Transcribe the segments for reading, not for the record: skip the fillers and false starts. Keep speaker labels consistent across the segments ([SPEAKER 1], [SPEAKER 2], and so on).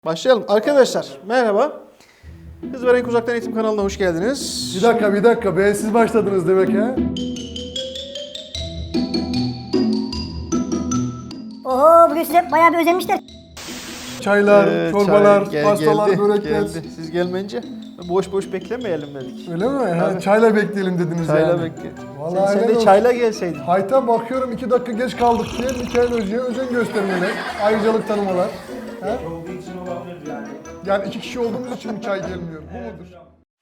[SPEAKER 1] Başlayalım. Arkadaşlar merhaba. Hız ve Renk Uzaktan Eğitim kanalına hoş geldiniz.
[SPEAKER 2] Bir dakika be, siz başladınız demek ha?
[SPEAKER 3] Oho, bugün size bayağı bir özenmişler.
[SPEAKER 2] Çaylar, çorbalar,
[SPEAKER 1] çay
[SPEAKER 2] pastalar,
[SPEAKER 1] geldi,
[SPEAKER 2] börekler.
[SPEAKER 1] geldi. Siz gelmeyince boş boş beklemeyelim dedik.
[SPEAKER 2] Öyle mi? Ha, çayla bekleyelim dediniz
[SPEAKER 1] Çayla
[SPEAKER 2] yani.
[SPEAKER 1] bekle.
[SPEAKER 2] Vallahi
[SPEAKER 1] Sen
[SPEAKER 2] helal
[SPEAKER 1] de
[SPEAKER 2] olsun.
[SPEAKER 1] çayla gelseydin.
[SPEAKER 2] Hayta bakıyorum 2 dakika geç kaldık diye Mikail Hoca'ya özen göstermeler, ayrıcalık tanımalar. Ha? Yani 2 kişi olduğumuz için mi çay gelmiyor? Bu mudur?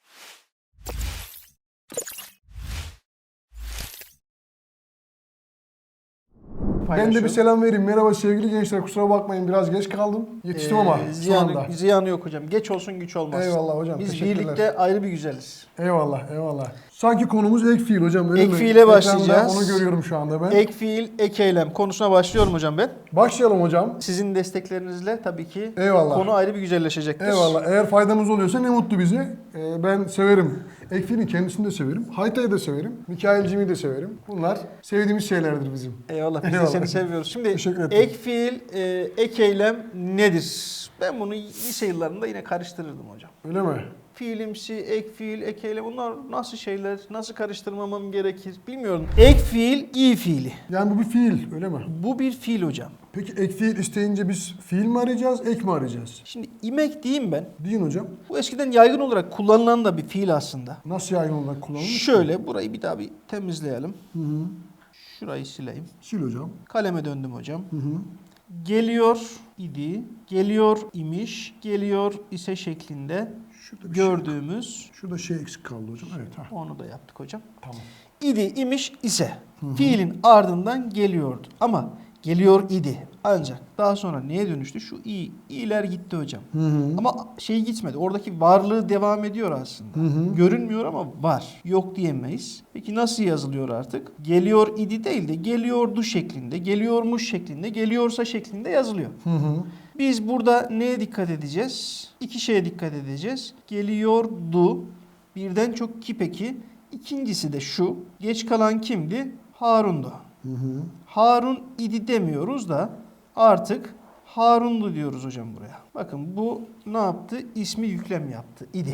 [SPEAKER 2] Ben de bir selam vereyim. Merhaba sevgili gençler. Kusura bakmayın biraz geç kaldım. Yetiştim ama son anda.
[SPEAKER 1] Ziyanı yok hocam. Geç olsun güç olmaz.
[SPEAKER 2] Eyvallah hocam,
[SPEAKER 1] Biz
[SPEAKER 2] teşekkürler.
[SPEAKER 1] birlikte ayrı bir güzeliz.
[SPEAKER 2] Eyvallah, eyvallah. Sanki konumuz ek fiil hocam, öyle
[SPEAKER 1] Ek
[SPEAKER 2] mi?
[SPEAKER 1] fiile
[SPEAKER 2] Ekranda
[SPEAKER 1] başlayacağız.
[SPEAKER 2] onu görüyorum şu anda ben.
[SPEAKER 1] Ek fiil, ek eylem konusuna başlıyorum hocam ben.
[SPEAKER 2] Başlayalım hocam.
[SPEAKER 1] Sizin desteklerinizle tabii ki
[SPEAKER 2] Eyvallah.
[SPEAKER 1] konu ayrı bir güzelleşecektir.
[SPEAKER 2] Eyvallah. Eğer faydamız oluyorsa ne mutlu bize. Ben severim. Ek fiilin kendisini de severim. Hayta'yı da severim. Mikail'cimi de severim. Bunlar sevdiğimiz şeylerdir bizim.
[SPEAKER 1] Eyvallah. Biz de
[SPEAKER 2] Eyvallah.
[SPEAKER 1] seni seviyoruz. Şimdi
[SPEAKER 2] Teşekkür ederim.
[SPEAKER 1] ek fiil, ek eylem nedir? Ben bunu lise yıllarında yine karıştırırdım hocam.
[SPEAKER 2] Öyle mi?
[SPEAKER 1] Fiilimsi, ek fiil, ek eylem bunlar nasıl şeyler? Nasıl karıştırmamam gerekir? Bilmiyorum. Ek fiil, iyi fiili.
[SPEAKER 2] Yani bu bir fiil, öyle mi?
[SPEAKER 1] Bu bir fiil hocam.
[SPEAKER 2] Peki ek fiil isteyince biz fiil mi arayacağız, ek mi arayacağız?
[SPEAKER 1] Şimdi imek diyeyim ben.
[SPEAKER 2] Deyin hocam.
[SPEAKER 1] Bu eskiden yaygın olarak kullanılan da bir fiil aslında.
[SPEAKER 2] Nasıl yaygın olarak kullanılır?
[SPEAKER 1] Şöyle burayı bir daha bir temizleyelim.
[SPEAKER 2] Hı hı.
[SPEAKER 1] Şurayı sileyim.
[SPEAKER 2] Sil hocam.
[SPEAKER 1] Kaleme döndüm hocam.
[SPEAKER 2] Hı hı.
[SPEAKER 1] Geliyor idi, geliyor imiş, geliyor ise şeklinde
[SPEAKER 2] Şurada bir şey,
[SPEAKER 1] gördüğümüz,
[SPEAKER 2] şurada şey eksik kaldı hocam. Evet. Ha.
[SPEAKER 1] onu da yaptık hocam.
[SPEAKER 2] Tamam.
[SPEAKER 1] İdi, imiş ise fiilin ardından geliyordu. Ama geliyor idi. Ancak daha sonra neye dönüştü? Şu i'ler gitti hocam.
[SPEAKER 2] Hı hı.
[SPEAKER 1] Ama şey gitmedi. Oradaki varlığı devam ediyor aslında.
[SPEAKER 2] Hı hı.
[SPEAKER 1] Görünmüyor ama var. Yok diyemeyiz. Peki nasıl yazılıyor artık? Geliyor idi değil de geliyordu şeklinde, geliyormuş şeklinde, geliyorsa şeklinde yazılıyor.
[SPEAKER 2] Hı hı.
[SPEAKER 1] Biz burada neye dikkat edeceğiz? İki şeye dikkat edeceğiz. Geliyordu. Birden çok ki peki. İkincisi de şu. Geç kalan kimdi? Harun'du.
[SPEAKER 2] Hı hı.
[SPEAKER 1] Harun idi demiyoruz da artık Harun'du diyoruz hocam buraya. Bakın bu ne yaptı? İsmi yüklem yaptı. İdi.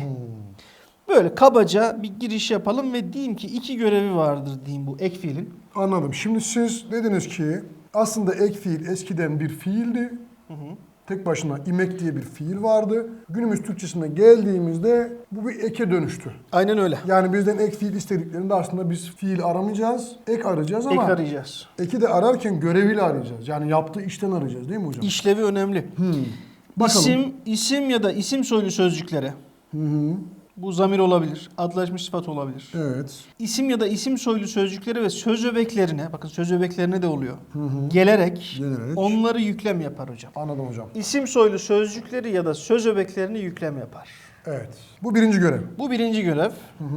[SPEAKER 1] Böyle kabaca bir giriş yapalım ve diyeyim ki iki görevi vardır diyeyim bu ek fiilin.
[SPEAKER 2] Anladım. Şimdi siz dediniz ki aslında ek fiil eskiden bir fiildi. Tek başına imek diye bir fiil vardı. Günümüz Türkçesine geldiğimizde bu bir eke dönüştü.
[SPEAKER 1] Aynen öyle.
[SPEAKER 2] Yani bizden ek fiil istediklerinde aslında biz fiil aramayacağız, ek arayacağız
[SPEAKER 1] Ek
[SPEAKER 2] ama
[SPEAKER 1] arayacağız.
[SPEAKER 2] eki de ararken göreviyle arayacağız. Yani yaptığı işten arayacağız değil mi hocam?
[SPEAKER 1] İşlevi önemli.
[SPEAKER 2] Bakalım.
[SPEAKER 1] İsim ya da isim soylu sözcüklere.
[SPEAKER 2] Hı hı.
[SPEAKER 1] Bu zamir olabilir, adlaşmış sıfat olabilir.
[SPEAKER 2] Evet.
[SPEAKER 1] İsim ya da isim soylu sözcüklere ve söz öbeklerine, bakın söz öbeklerine de oluyor. Gelerek onları yüklem yapar hocam.
[SPEAKER 2] Anladım hocam.
[SPEAKER 1] İsim soylu sözcükleri ya da söz öbeklerini yüklem yapar.
[SPEAKER 2] Evet. Bu birinci görev.
[SPEAKER 1] Bu birinci görev.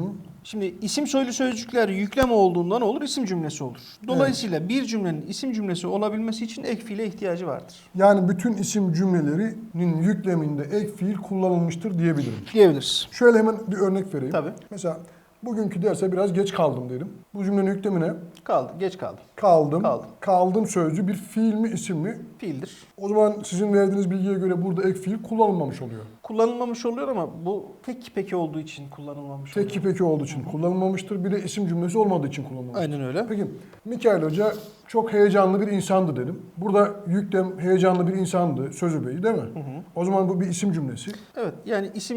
[SPEAKER 1] Şimdi isim soylu sözcükler yüklem olduğundan olur, isim cümlesi olur. Dolayısıyla bir cümlenin isim cümlesi olabilmesi için ek fiile ihtiyacı vardır.
[SPEAKER 2] Yani bütün isim cümlelerinin yükleminde ek fiil kullanılmıştır diyebilirim.
[SPEAKER 1] Diyebiliriz.
[SPEAKER 2] Şöyle hemen bir örnek vereyim.
[SPEAKER 1] Tabii.
[SPEAKER 2] Mesela bugünkü derse biraz geç kaldım dedim. Bu cümlenin yüklemine
[SPEAKER 1] Kaldı, geç kaldı.
[SPEAKER 2] kaldım.
[SPEAKER 1] Kaldım.
[SPEAKER 2] Kaldım sözcüğü bir fiil mi isim mi?
[SPEAKER 1] Fiildir.
[SPEAKER 2] O zaman sizin verdiğiniz bilgiye göre burada ek fiil kullanılmamış oluyor.
[SPEAKER 1] Kullanılmamış oluyor ama bu tek peki olduğu için kullanılmamış oluyor.
[SPEAKER 2] Tek peki olduğu için kullanılmamıştır. Bir de isim cümlesi olmadığı için kullanılmamıştır.
[SPEAKER 1] Aynen öyle.
[SPEAKER 2] Peki Mikail Hoca çok heyecanlı bir insandı dedim. Burada yüklem heyecanlı bir insandı. Söz öbeği değil mi? O zaman bu bir isim cümlesi.
[SPEAKER 1] Evet, yani isim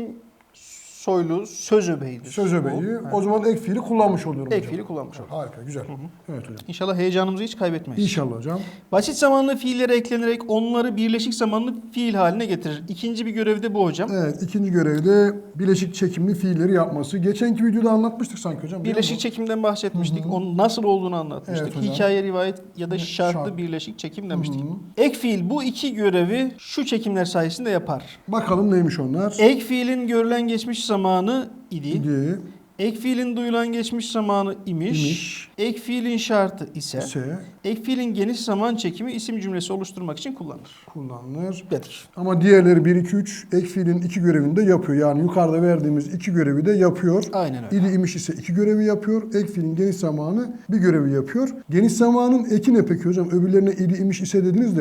[SPEAKER 1] soylu söz öbeğidir.
[SPEAKER 2] Söz öbeği.
[SPEAKER 1] Bu.
[SPEAKER 2] O zaman ek fiili kullanmış oluyorum
[SPEAKER 1] Ek
[SPEAKER 2] hocam.
[SPEAKER 1] fiili kullanmış olduk.
[SPEAKER 2] Harika, güzel. Evet hocam.
[SPEAKER 1] İnşallah heyecanımızı hiç kaybetmeyiz.
[SPEAKER 2] İnşallah hocam.
[SPEAKER 1] Basit zamanlı fiillere eklenerek onları birleşik zamanlı fiil haline getirir. İkinci bir görev de bu hocam.
[SPEAKER 2] Evet, ikinci görevde bileşik çekimli fiilleri yapması. Geçenki videoda anlatmıştık sanki hocam. değil mi?
[SPEAKER 1] Birleşik çekimden bahsetmiştik. Onun nasıl olduğunu anlatmıştık.
[SPEAKER 2] Evet hocam.
[SPEAKER 1] Hikaye, rivayet ya da şartlı
[SPEAKER 2] Şart.
[SPEAKER 1] birleşik çekim demiştik. Ek fiil bu iki görevi şu çekimler sayesinde yapar.
[SPEAKER 2] Bakalım neymiş onlar?
[SPEAKER 1] Ek fiilin görülen geçmiş zamanı idi.
[SPEAKER 2] İdi,
[SPEAKER 1] Ek fiilin duyulan geçmiş zamanı imiş.
[SPEAKER 2] İmiş.
[SPEAKER 1] Ek fiilin şartı ise.
[SPEAKER 2] ise
[SPEAKER 1] Ek fiilin geniş zaman çekimi isim cümlesi oluşturmak için kullanılır.
[SPEAKER 2] kullanılır.
[SPEAKER 1] Dedik.
[SPEAKER 2] Ama diğerleri 1, 2, 3 ek fiilin iki görevini de yapıyor. Yani yukarıda verdiğimiz iki görevi de yapıyor.
[SPEAKER 1] Aynen öyle.
[SPEAKER 2] İdi imiş ise iki görevi yapıyor. Ek fiilin geniş zamanı bir görevi yapıyor. Geniş zamanın eki ne peki hocam? Öbürlerine idi imiş ise dediniz de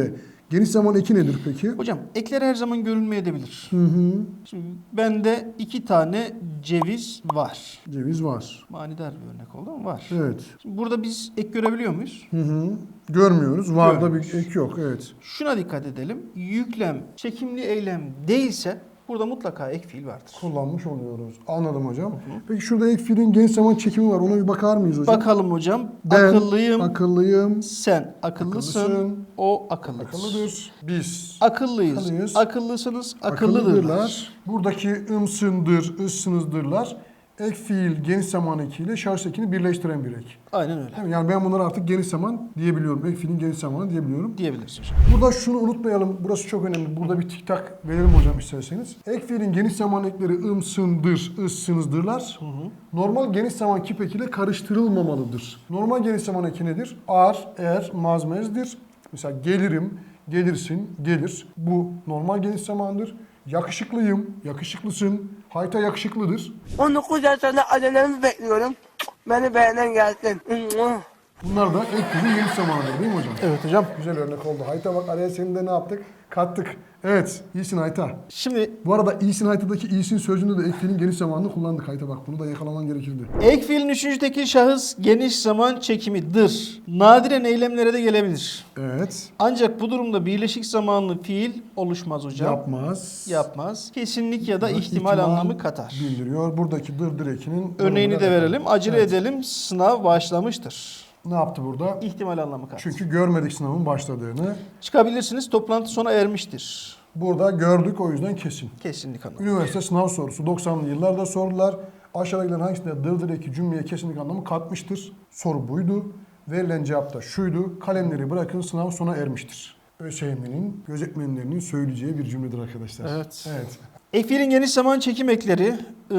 [SPEAKER 2] Geniş zaman eki nedir peki?
[SPEAKER 1] Hocam ekler her zaman görülmeyebilir.
[SPEAKER 2] Hı hı.
[SPEAKER 1] Şimdi bende 2 tane ceviz var.
[SPEAKER 2] Ceviz var.
[SPEAKER 1] Manidar bir örnek oldu ama var.
[SPEAKER 2] Evet.
[SPEAKER 1] Şimdi burada biz ek görebiliyor muyuz?
[SPEAKER 2] Hı hı. Görmüyoruz. Var da
[SPEAKER 1] Görmüyoruz.
[SPEAKER 2] bir ek yok. Evet.
[SPEAKER 1] Şuna dikkat edelim. Yüklem çekimli eylem değilse burada mutlaka ek fiil vardır.
[SPEAKER 2] Kullanmış oluyoruz. Anladım hocam. Peki şurada ek fiilin geniş zaman çekimi var. Ona bir bakar mıyız hocam?
[SPEAKER 1] Bakalım hocam.
[SPEAKER 2] Ben
[SPEAKER 1] Akıllıyım.
[SPEAKER 2] akıllıyım.
[SPEAKER 1] Sen akıllısın.
[SPEAKER 2] Akıllısın.
[SPEAKER 1] O akıllıdır.
[SPEAKER 2] Akıllıdır. Biz
[SPEAKER 1] Akıllıyız.
[SPEAKER 2] Akıllıyız.
[SPEAKER 1] Akıllısınız. Akıllıdırlar.
[SPEAKER 2] Buradaki ımsındır, ıssınızdırlar. Ek fiil geniş zaman ekiyle şarj ekini birleştiren bir ek.
[SPEAKER 1] Aynen öyle.
[SPEAKER 2] Değil mi? Yani ben bunları artık geniş zaman diyebiliyorum. Ek fiilin geniş zamanı diyebiliyorum.
[SPEAKER 1] Diyebiliriz hocam.
[SPEAKER 2] Burada şunu unutmayalım. Burası çok önemli. Burada bir tik tak verelim hocam isterseniz. Ek fiilin geniş zaman ekleri ımsındır, ıssınızdırlar. Normal geniş zaman kip ekiyle karıştırılmamalıdır. Normal geniş zaman eki nedir? Ar, er, mazmezdir. Mesela gelirim, gelirsin, gelir. Bu normal geniş zamandır. Yakışıklıyım, yakışıklısın. Hayta yakışıklıdır.
[SPEAKER 4] 19 yaşında acelemi bekliyorum. Beni beğenen gelsin.
[SPEAKER 2] Bunlar da ek fiilin geniş zamanıdır değil mi hocam?
[SPEAKER 1] Evet hocam.
[SPEAKER 2] Güzel örnek oldu. Hayta bak araya senin de ne yaptık? Kattık. Evet, iyisin Hayta.
[SPEAKER 1] Şimdi
[SPEAKER 2] Bu arada iyisin Hayta'daki iyisin sözcüğünde de ek fiilin geniş zamanını kullandık Hayta bak. Bunu da yakalaman gerekirdi.
[SPEAKER 1] ek fiilin üçüncü tekil şahıs geniş zaman çekimidir. Nadiren eylemlere de gelebilir.
[SPEAKER 2] Evet.
[SPEAKER 1] Ancak bu durumda birleşik zamanlı fiil oluşmaz hocam.
[SPEAKER 2] Yapmaz.
[SPEAKER 1] Yapmaz. Kesinlik ya da
[SPEAKER 2] Burada
[SPEAKER 1] ihtimal anlamı katar.
[SPEAKER 2] Bildiriyor. Buradaki dır ekinin
[SPEAKER 1] Örneğini de
[SPEAKER 2] durumuna
[SPEAKER 1] verelim.
[SPEAKER 2] bakalım.
[SPEAKER 1] Acele
[SPEAKER 2] Evet.
[SPEAKER 1] edelim. Sınav başlamıştır.
[SPEAKER 2] Ne yaptı burada?
[SPEAKER 1] İhtimal anlamı katar.
[SPEAKER 2] Çünkü görmedik sınavın başladığını.
[SPEAKER 1] Çıkabilirsiniz. Toplantı sona ermiştir.
[SPEAKER 2] Burada gördük o yüzden kesin.
[SPEAKER 1] Kesinlik anlamı.
[SPEAKER 2] Üniversite sınav sorusu 90'lı yıllarda sordular. Aşağıdakilerin hangisinde dır eki cümleye kesinlik anlamı katmıştır? Soru buydu. Verilen cevap da şuydu. Kalemleri bırakın sınav sona ermiştir. ÖSYM'nin gözetmenlerinin söyleyeceği bir cümledir arkadaşlar.
[SPEAKER 1] Evet.
[SPEAKER 2] Evet.
[SPEAKER 1] Ek fiilin geniş zaman çekim ekleri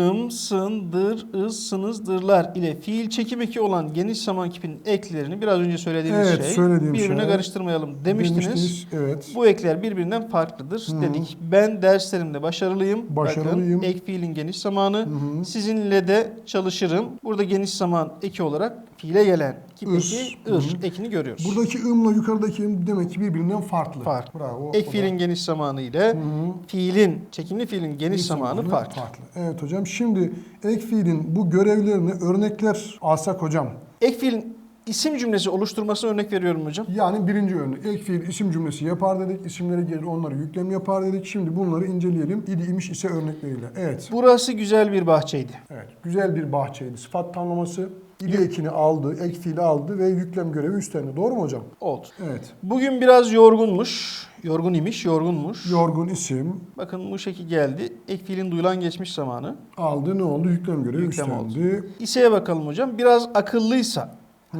[SPEAKER 1] sındır, sınızdırlar ile fiil çekim eki olan geniş zaman kipinin eklerini biraz önce söylediğimiz
[SPEAKER 2] Evet,
[SPEAKER 1] şey
[SPEAKER 2] söylediğim
[SPEAKER 1] birbirine
[SPEAKER 2] şey.
[SPEAKER 1] karıştırmayalım demiştiniz.
[SPEAKER 2] Evet.
[SPEAKER 1] Bu ekler birbirinden farklıdır dedik. Ben derslerimde başarılıyım.
[SPEAKER 2] Başarılıyım.
[SPEAKER 1] Bakın, ek fiilin geniş zamanı. Sizinle de çalışırım. Burada geniş zaman eki olarak fiile gelen kip eki ekini görüyoruz.
[SPEAKER 2] Buradaki ımla yukarıdaki ım demek ki birbirinden farklı.
[SPEAKER 1] Farklı.
[SPEAKER 2] Bravo.
[SPEAKER 1] Ek
[SPEAKER 2] O da-
[SPEAKER 1] fiilin geniş zamanı ile fiilin, çekimli fiilin geniş zamanı farklı.
[SPEAKER 2] Evet hocam. Şimdi ek fiilin bu görevlerine örnekler alsak hocam.
[SPEAKER 1] Ek fiilin isim cümlesi oluşturmasına örnek veriyorum hocam.
[SPEAKER 2] Yani birinci örnek. Ek fiil isim cümlesi yapar dedik. İsimlere gelir onları yüklem yapar dedik. Şimdi bunları inceleyelim. İdi imiş ise örnekleriyle. Evet.
[SPEAKER 1] Burası güzel bir bahçeydi.
[SPEAKER 2] Evet. Güzel bir bahçeydi. Sıfat tamlaması. İdi ekini aldı, ek fiili aldı ve yüklem görevi üstlendi. Doğru mu hocam?
[SPEAKER 1] Oldu.
[SPEAKER 2] Evet.
[SPEAKER 1] Bugün biraz yorgunmuş. Yorgun imiş, yorgunmuş.
[SPEAKER 2] Yorgun isim
[SPEAKER 1] Bakın bu şekil geldi. Ek fiilin duyulan geçmiş zamanı.
[SPEAKER 2] aldı. Ne oldu? Yüklem görevi
[SPEAKER 1] Yüklem
[SPEAKER 2] üstlendi.
[SPEAKER 1] İse'ye bakalım hocam. Biraz akıllıysa,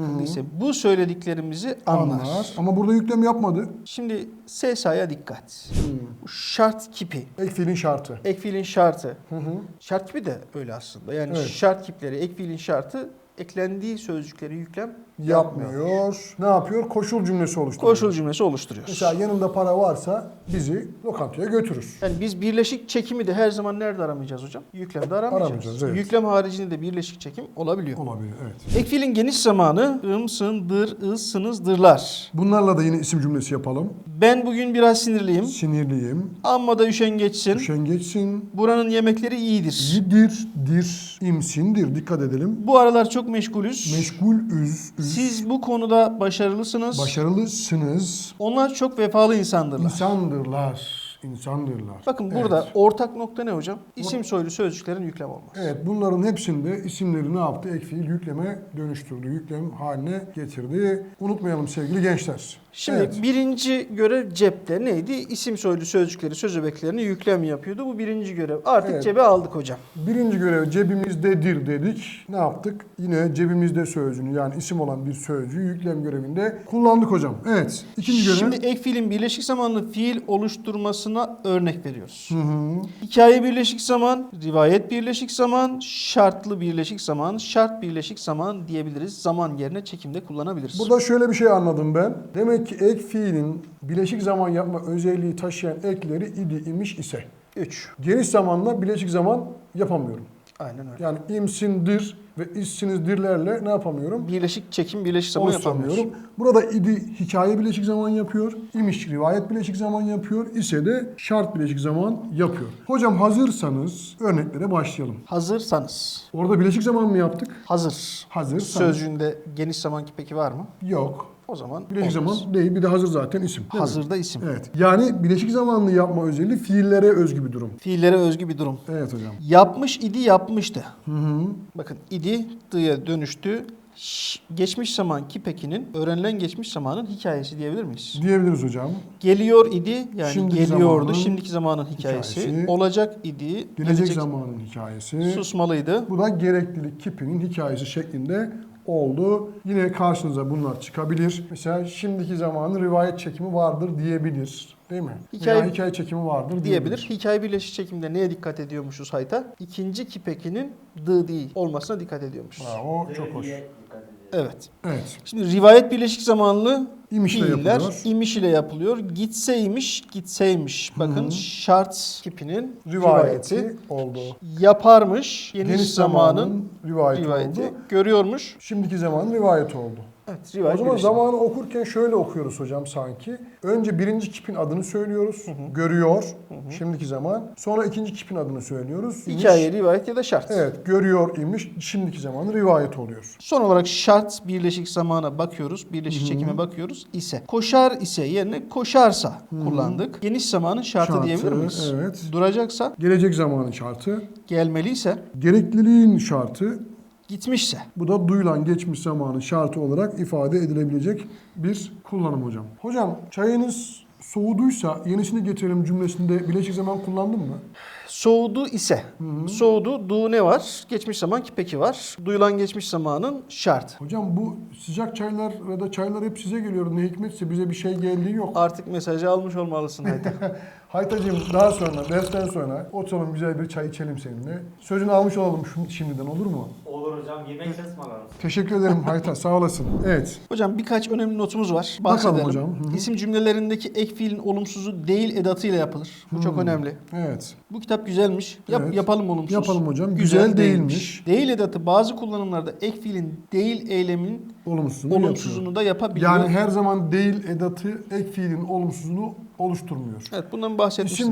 [SPEAKER 1] bu söylediklerimizi anlar.
[SPEAKER 2] Ama burada yüklem yapmadı.
[SPEAKER 1] Şimdi SSA'ya dikkat. Bu şart kipi.
[SPEAKER 2] Ek fiilin şartı.
[SPEAKER 1] Ek fiilin şartı. Şart kipi de öyle aslında. Yani
[SPEAKER 2] Evet.
[SPEAKER 1] şart kipleri, ek fiilin şartı eklendiği sözcükleri yüklem
[SPEAKER 2] Yapmıyor. Ne yapıyor? Koşul cümlesi oluşturuyor.
[SPEAKER 1] Koşul cümlesi oluşturuyor.
[SPEAKER 2] Mesela yanında para varsa bizi lokantaya götürür.
[SPEAKER 1] Yani biz birleşik çekimi de her zaman nerede aramayacağız hocam? Yüklemde aramayacağız.
[SPEAKER 2] Aramayacağız, evet.
[SPEAKER 1] Yüklem haricinde de birleşik çekim olabiliyor.
[SPEAKER 2] Olabilir, evet.
[SPEAKER 1] Ek fiilin geniş zamanı sındır, sınızdırlar.
[SPEAKER 2] Bunlarla da yine isim cümlesi yapalım.
[SPEAKER 1] Ben bugün biraz sinirliyim.
[SPEAKER 2] Sinirliyim.
[SPEAKER 1] Amma da üşengeçsin.
[SPEAKER 2] Üşengeçsin.
[SPEAKER 1] Buranın yemekleri iyidir.
[SPEAKER 2] Yidir, dir, imsindir. Dikkat edelim.
[SPEAKER 1] Bu aralar çok meşgulüz.
[SPEAKER 2] Meşgul, üz.
[SPEAKER 1] Siz bu konuda başarılısınız.
[SPEAKER 2] Başarılısınız.
[SPEAKER 1] Onlar çok vefalı insandırlar.
[SPEAKER 2] İnsandırlar. İnsandırlar.
[SPEAKER 1] Bakın
[SPEAKER 2] Evet.
[SPEAKER 1] burada ortak nokta ne hocam? İsim soylu sözcüklerin yüklem olması.
[SPEAKER 2] Evet, bunların hepsinde isimleri ne yaptı? Ek fiil yükleme dönüştürdü. Yüklem haline getirdi. Unutmayalım sevgili gençler.
[SPEAKER 1] Şimdi
[SPEAKER 2] Evet.
[SPEAKER 1] birinci görev cepte neydi? İsim soylu sözcükleri, söz öbeklerini yüklem yapıyordu. Bu birinci görev. Artık
[SPEAKER 2] Evet.
[SPEAKER 1] cebe aldık hocam.
[SPEAKER 2] Birinci görev cebimizdedir dedik. Ne yaptık? Yine cebimizde sözcüğünü yani isim olan bir sözcüğü yüklem görevinde kullandık hocam. Evet. İkinci görev.
[SPEAKER 1] Şimdi ek fiilin birleşik zamanlı fiil oluşturmasına örnek veriyoruz. Hikaye birleşik zaman, rivayet birleşik zaman, şartlı birleşik zaman, şart birleşik zaman diyebiliriz. Zaman yerine çekimde kullanabiliriz.
[SPEAKER 2] Burada şöyle bir şey anladım ben. Demek ki ek fiilin bileşik zaman yapma özelliği taşıyan ekleri idi imiş ise
[SPEAKER 1] 3.
[SPEAKER 2] geniş zamanla bileşik zaman yapamıyorum.
[SPEAKER 1] Aynen öyle.
[SPEAKER 2] Yani imsindir ve işsinizdirlerle ne yapamıyorum?
[SPEAKER 1] Birleşik çekim, birleşik zaman yapamıyoruz.
[SPEAKER 2] Oluşturamıyorum. Burada idi hikaye bileşik zaman yapıyor. İmiş rivayet bileşik zaman yapıyor. İse de şart bileşik zaman yapıyor. Hocam hazırsanız örneklere başlayalım.
[SPEAKER 1] Hazırsanız.
[SPEAKER 2] Orada bileşik zaman mı yaptık?
[SPEAKER 1] Hazır.
[SPEAKER 2] Hazırsanız.
[SPEAKER 1] Sözcüğünde geniş zamanki peki var mı?
[SPEAKER 2] Yok.
[SPEAKER 1] O zaman
[SPEAKER 2] Bileşik
[SPEAKER 1] olmaz.
[SPEAKER 2] zaman değil. Bir de hazır zaten isim. değil mi?
[SPEAKER 1] Hazırda isim.
[SPEAKER 2] Evet. Yani bileşik zamanlı yapma özelliği fiillere özgü bir durum.
[SPEAKER 1] Fiillere özgü bir durum.
[SPEAKER 2] Evet hocam.
[SPEAKER 1] Yapmış idi, yapmıştı.
[SPEAKER 2] Hı hı.
[SPEAKER 1] Bakın idi, dı'ya dönüştü. Geçmiş zamanki pekinin öğrenilen geçmiş zamanın hikayesi diyebilir miyiz?
[SPEAKER 2] Diyebiliriz hocam.
[SPEAKER 1] Geliyor idi, yani
[SPEAKER 2] Şimdiki
[SPEAKER 1] geliyordu.
[SPEAKER 2] zamanın
[SPEAKER 1] Şimdiki zamanın hikayesi.
[SPEAKER 2] hikayesi.
[SPEAKER 1] Olacak idi.
[SPEAKER 2] Gelecek zamanın hikayesi.
[SPEAKER 1] Susmalıydı.
[SPEAKER 2] Bu da gereklilik kipinin hikayesi şeklinde oldu. Yine karşınıza bunlar çıkabilir. Mesela şimdiki zamanın rivayet çekimi vardır diyebilir. Değil mi? Veya hikaye çekimi vardır
[SPEAKER 1] Diyebilir. Hikaye birleşik çekimde neye dikkat ediyormuşuz hayta? İkinci kipekinin dı değil olmasına dikkat ediyormuşuz.
[SPEAKER 2] O çok hoş.
[SPEAKER 1] Evet.
[SPEAKER 2] Evet.
[SPEAKER 1] Şimdi rivayet birleşik zamanlı
[SPEAKER 2] İmiş ile
[SPEAKER 1] fiiller
[SPEAKER 2] yapılıyor.
[SPEAKER 1] imiş ile yapılıyor. Gitseymiş, gitseymiş. Bakın şart kipinin
[SPEAKER 2] Rivayeti oldu.
[SPEAKER 1] Yaparmış, geniş,
[SPEAKER 2] Geniş
[SPEAKER 1] zamanın
[SPEAKER 2] zamanın rivayeti oldu.
[SPEAKER 1] Görüyormuş.
[SPEAKER 2] Şimdiki zamanın rivayeti oldu.
[SPEAKER 1] Evet, rivayet
[SPEAKER 2] O zaman
[SPEAKER 1] birleşik.
[SPEAKER 2] zamanı okurken şöyle okuyoruz hocam sanki. Önce birinci kipin adını söylüyoruz. Görüyor. Şimdiki zaman. Sonra ikinci kipin adını söylüyoruz. İmiş.
[SPEAKER 1] Hikaye, rivayet ya da şart.
[SPEAKER 2] Evet. Görüyor imiş. Şimdiki zamanı rivayet oluyor.
[SPEAKER 1] Son olarak şart birleşik zamana bakıyoruz. Birleşik çekime bakıyoruz. İse. Koşar ise yerine koşarsa kullandık. Geniş zamanın şartı diyebilir miyiz?
[SPEAKER 2] Evet.
[SPEAKER 1] Duracaksa,
[SPEAKER 2] Gelecek zamanın şartı.
[SPEAKER 1] gelmeliyse,
[SPEAKER 2] Gerekliliğin şartı.
[SPEAKER 1] gitmişse.
[SPEAKER 2] Bu da duyulan geçmiş zamanın şartı olarak ifade edilebilecek bir kullanım hocam. Hocam çayınız soğuduysa yenisini getirelim cümlesinde bileşik zaman kullandın mı?
[SPEAKER 1] Soğudu ise. Soğudu, du ne var? Geçmiş zaman ki peki var. Duyulan geçmiş zamanın şart.
[SPEAKER 2] Hocam bu sıcak çaylar ya da çaylar hep size geliyor. Ne hikmetse bize bir şey geldiği yok.
[SPEAKER 1] Artık mesajı almış olmalısın Hayta.
[SPEAKER 2] Haytacığım daha sonra, dersten sonra oturalım güzel bir çay içelim seninle. Sözünü almış olalım şimdiden olur mu?
[SPEAKER 5] Olur hocam, yemek ısmarlarız.
[SPEAKER 2] Teşekkür ederim Hayta sağ olasın. Evet.
[SPEAKER 1] Hocam birkaç önemli notumuz var.
[SPEAKER 2] Bakalım
[SPEAKER 1] Bahsedelim.
[SPEAKER 2] hocam. Hı hı.
[SPEAKER 1] İsim cümlelerindeki ek fiilin olumsuzu değil edatıyla yapılır. Bu çok önemli.
[SPEAKER 2] Evet.
[SPEAKER 1] Bu kitap güzelmiş.
[SPEAKER 2] Evet.
[SPEAKER 1] Yapalım olumsuz.
[SPEAKER 2] Yapalım hocam. Güzel değilmiş.
[SPEAKER 1] Değil edatı bazı kullanımlarda ek fiilin değil eylemin
[SPEAKER 2] Olumsuzunu yapıyor.
[SPEAKER 1] olumsuzunu da yapabiliyor.
[SPEAKER 2] Yani her zaman değil edatı ek fiilin olumsuzunu oluşturmuyor.
[SPEAKER 1] Evet, bundan bahsetmiştiniz.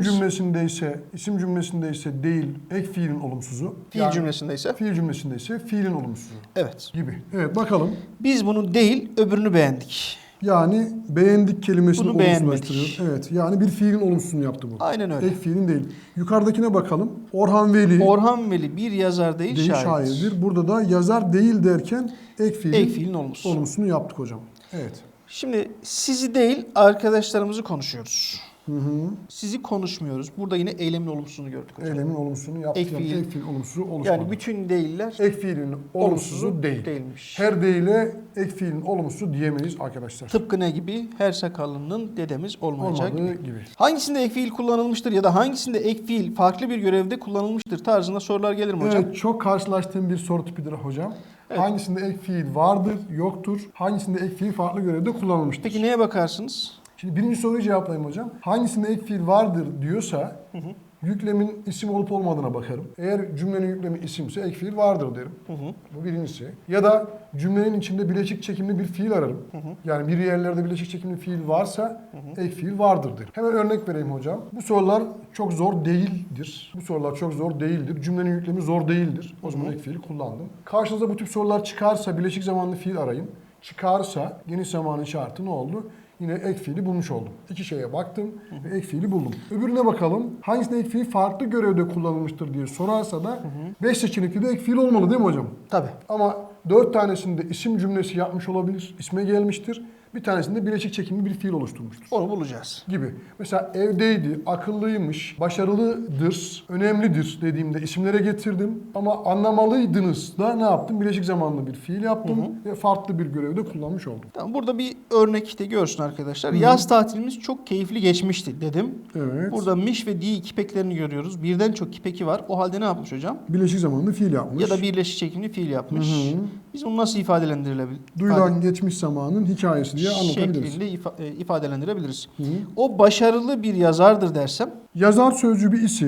[SPEAKER 2] İsim cümlesindeyse değil ek fiilin olumsuzu.
[SPEAKER 1] Fiil cümlesindeyse.
[SPEAKER 2] Fiil cümlesindeyse fiilin olumsuzu
[SPEAKER 1] Evet.
[SPEAKER 2] gibi. Evet bakalım.
[SPEAKER 1] Biz bunu değil öbürünü beğendik.
[SPEAKER 2] Yani beğendik kelimesini
[SPEAKER 1] Bunu
[SPEAKER 2] olumsuzlaştırıyor. Evet. Yani bir fiilin olumsuzunu yaptı bu.
[SPEAKER 1] Aynen öyle.
[SPEAKER 2] Ek fiilin değil. Yukarıdakine bakalım. Orhan Veli
[SPEAKER 1] Orhan Veli bir yazar değil,
[SPEAKER 2] değil
[SPEAKER 1] şairdir.
[SPEAKER 2] şairdir. Burada da yazar değil derken ek
[SPEAKER 1] Fiilin olumsuzu.
[SPEAKER 2] olumsuzunu yaptık hocam. Evet.
[SPEAKER 1] Şimdi sizi değil arkadaşlarımızı konuşuyoruz.
[SPEAKER 2] Hı hı.
[SPEAKER 1] Sizi konuşmuyoruz. Burada yine eylemin olumsuzunu gördük hocam.
[SPEAKER 2] Eylemin olumsuzunu yaptık.
[SPEAKER 1] Ek fiil.
[SPEAKER 2] Ek fiil olumsuzu oluşmadı.
[SPEAKER 1] Yani bütün değiller
[SPEAKER 2] Ek fiilin olumsuzu değil.
[SPEAKER 1] değilmiş.
[SPEAKER 2] Her değile ek fiilin olumsuzu diyemeyiz arkadaşlar.
[SPEAKER 1] Tıpkı ne gibi? Her sakallının dedemiz olmayacak
[SPEAKER 2] Olmadığı
[SPEAKER 1] gibi.
[SPEAKER 2] gibi.
[SPEAKER 1] Hangisinde ek fiil kullanılmıştır ya da hangisinde ek fiil farklı bir görevde kullanılmıştır tarzında sorular gelir mi hocam?
[SPEAKER 2] Evet, çok karşılaştığım bir soru tipidir hocam. Hangisinde ek fiil vardır, yoktur? Hangisinde ek fiil farklı görevde kullanılmıştır?
[SPEAKER 1] Peki neye bakarsınız?
[SPEAKER 2] Şimdi birinci soruyu cevaplayayım hocam. Hangisinde ek fiil vardır diyorsa yüklemin isim olup olmadığına bakarım. Eğer cümlenin yüklemi isimse ek fiil vardır derim. Bu birincisi. Ya da cümlenin içinde bileşik çekimli bir fiil ararım. Yani bir yerlerde bileşik çekimli fiil varsa ek fiil vardır derim. Hemen örnek vereyim hocam. Bu sorular çok zor değildir. Bu sorular çok zor değildir. Cümlenin yüklemi zor değildir. O zaman ek fiil kullandım. Karşınıza bu tip sorular çıkarsa bileşik zamanlı fiil arayın. Çıkarsa geniş zamanın şartı ne oldu? Yine ek fiili bulmuş oldum. İki şeye baktım ve ek fiili buldum. Öbürüne bakalım. Hangisinde ek fiil farklı görevde kullanılmıştır diye sorarsa da 5 seçenekli de ek fiil olmalı değil mi hocam?
[SPEAKER 1] Tabii.
[SPEAKER 2] Ama 4 tanesinde isim cümlesi yapmış olabilir. İsme gelmiştir. Bir tanesinde bileşik çekimli bir fiil oluşturmuştur.
[SPEAKER 1] Onu bulacağız.
[SPEAKER 2] Gibi. Mesela evdeydi, akıllıymış, başarılıdır, önemlidir dediğimde isimlere getirdim. Ama anlamalıydınız da ne yaptım? Bileşik zamanlı bir fiil yaptım ve farklı bir görevde kullanmış oldum.
[SPEAKER 1] Tamam, burada bir örnek de görsün arkadaşlar. Yaz tatilimiz çok keyifli geçmişti dedim.
[SPEAKER 2] Evet.
[SPEAKER 1] Burada miş ve di kipeklerini görüyoruz. Birden çok kipeki var. O halde ne yapmış hocam?
[SPEAKER 2] Bileşik zamanlı fiil yapmış.
[SPEAKER 1] Ya da birleşik çekimli fiil yapmış. Biz bunu nasıl ifadelendirilebilir?
[SPEAKER 2] Duyulan geçmiş zamanın hikayesi diye anlatabiliriz.
[SPEAKER 1] Şeklinde ifadelendirebiliriz. O başarılı bir yazardır dersem
[SPEAKER 2] Yazar sözcüğü bir isim.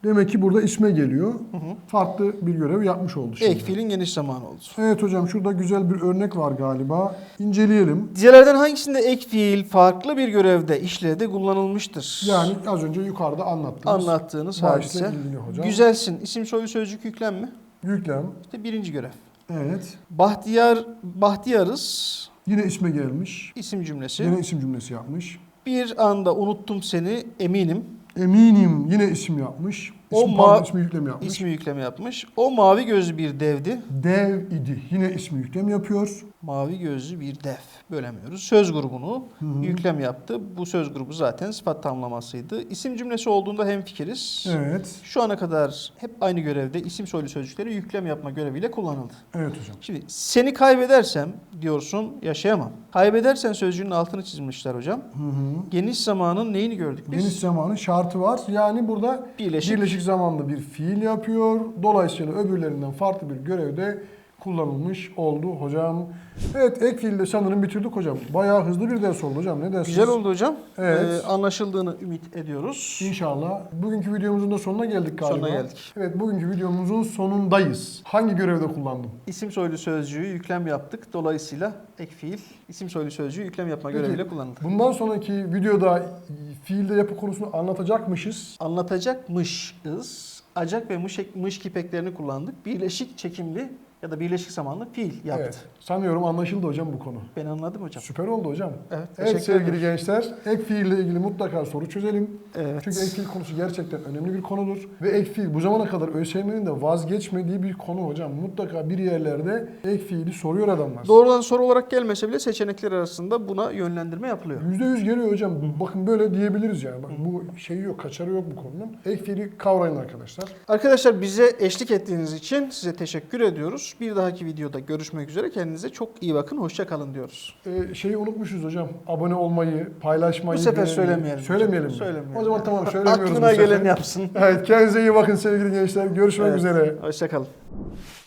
[SPEAKER 2] Demek ki burada isme geliyor. Farklı bir görev yapmış oldu şimdi.
[SPEAKER 1] Ek fiilin geniş zamanı oldu.
[SPEAKER 2] Evet hocam şurada güzel bir örnek var galiba. İnceleyelim.
[SPEAKER 1] Diğerlerden hangisinde ek fiil farklı bir görevde, işlevde kullanılmıştır?
[SPEAKER 2] Yani az önce yukarıda
[SPEAKER 1] Anlattığınız
[SPEAKER 2] bahisle
[SPEAKER 1] hadise.
[SPEAKER 2] ilgili hocam.
[SPEAKER 1] Güzelsin. İsim soyu sözcük yüklem mi?
[SPEAKER 2] Yüklem.
[SPEAKER 1] İşte birinci görev.
[SPEAKER 2] Evet.
[SPEAKER 1] Bahtiyarız.
[SPEAKER 2] Yine isme gelmiş.
[SPEAKER 1] İsim cümlesi.
[SPEAKER 2] Yine isim cümlesi yapmış.
[SPEAKER 1] Bir anda unuttum seni eminim.
[SPEAKER 2] Eminim yine isim yapmış. İsmi yüklem yapmış.
[SPEAKER 1] İsmi yükleme yapmış. O mavi gözlü bir devdi.
[SPEAKER 2] Dev idi. Yine ismi yüklem yapıyor.
[SPEAKER 1] Mavi gözlü bir dev. Bölemiyoruz. Söz grubunu yüklem yaptı. Bu söz grubu zaten sıfat tamlamasıydı. İsim cümlesi olduğunda hemfikiriz.
[SPEAKER 2] Evet.
[SPEAKER 1] Şu ana kadar hep aynı görevde isim soylu sözcükleri yüklem yapma göreviyle kullanıldı.
[SPEAKER 2] Evet hocam.
[SPEAKER 1] Şimdi seni kaybedersem diyorsun yaşayamam. Kaybedersen sözcüğünün altını çizmişler hocam. Geniş zamanın neyini gördük biz?
[SPEAKER 2] Geniş zamanın şartı var. Yani burada birleşik zamanda bir fiil yapıyor. Dolayısıyla öbürlerinden farklı bir görevde kullanılmış oldu hocam. Evet ek fiilde sanırım bitirdik hocam. Bayağı hızlı bir ders oldu hocam. Ne dersiniz?
[SPEAKER 1] Güzel oldu hocam.
[SPEAKER 2] Evet.
[SPEAKER 1] Anlaşıldığını ümit ediyoruz.
[SPEAKER 2] İnşallah. Bugünkü videomuzun da sonuna geldik galiba.
[SPEAKER 1] Sonuna geldik.
[SPEAKER 2] Evet bugünkü videomuzun sonundayız. Hangi görevde kullandım?
[SPEAKER 1] İsim soylu sözcüğü yüklem yaptık. Dolayısıyla ek fiil isim soylu sözcüğü yüklem yapma göreviyle kullanıldı.
[SPEAKER 2] Bundan sonraki videoda fiilde yapı konusunu anlatacakmışız.
[SPEAKER 1] Anlatacakmışız. Acak ve mış kipeklerini kullandık. Birleşik çekimli ya da birleşik zamanlı fiil yaptı.
[SPEAKER 2] Evet. Sanıyorum anlaşıldı hocam bu konu.
[SPEAKER 1] Ben anladım hocam.
[SPEAKER 2] Süper oldu hocam.
[SPEAKER 1] Evet,
[SPEAKER 2] Evet
[SPEAKER 1] teşekkür
[SPEAKER 2] sevgili
[SPEAKER 1] ederim.
[SPEAKER 2] gençler, ek fiille ilgili mutlaka soru çözelim.
[SPEAKER 1] Evet.
[SPEAKER 2] Çünkü ek fiil konusu gerçekten önemli bir konudur. Ve ek fiil bu zamana kadar ÖSYM'nin de vazgeçmediği bir konu hocam. Mutlaka bir yerlerde ek fiili soruyor adamlar.
[SPEAKER 1] Doğrudan soru olarak gelmese bile seçenekler arasında buna yönlendirme yapılıyor.
[SPEAKER 2] %100 geliyor hocam. Bakın böyle diyebiliriz yani. Bak, bu şey yok, kaçarı yok bu konunun. Ek fiili kavrayın arkadaşlar.
[SPEAKER 1] Arkadaşlar bize eşlik ettiğiniz için size teşekkür ediyoruz. Bir dahaki videoda görüşmek üzere. Kendinize çok iyi bakın. Hoşça kalın diyoruz.
[SPEAKER 2] Şeyi unutmuşuz hocam. Abone olmayı, paylaşmayı.
[SPEAKER 1] Bu sefer
[SPEAKER 2] beğenmeyi.
[SPEAKER 1] söylemeyelim.
[SPEAKER 2] Söylemeyelim mi?
[SPEAKER 1] Söylemeyelim.
[SPEAKER 2] O zaman tamam söylemiyoruz
[SPEAKER 1] Aklına
[SPEAKER 2] bu sefer.
[SPEAKER 1] gelen yapsın.
[SPEAKER 2] Evet kendinize iyi bakın sevgili gençler. Görüşmek
[SPEAKER 1] Evet.
[SPEAKER 2] üzere.
[SPEAKER 1] Hoşça kalın.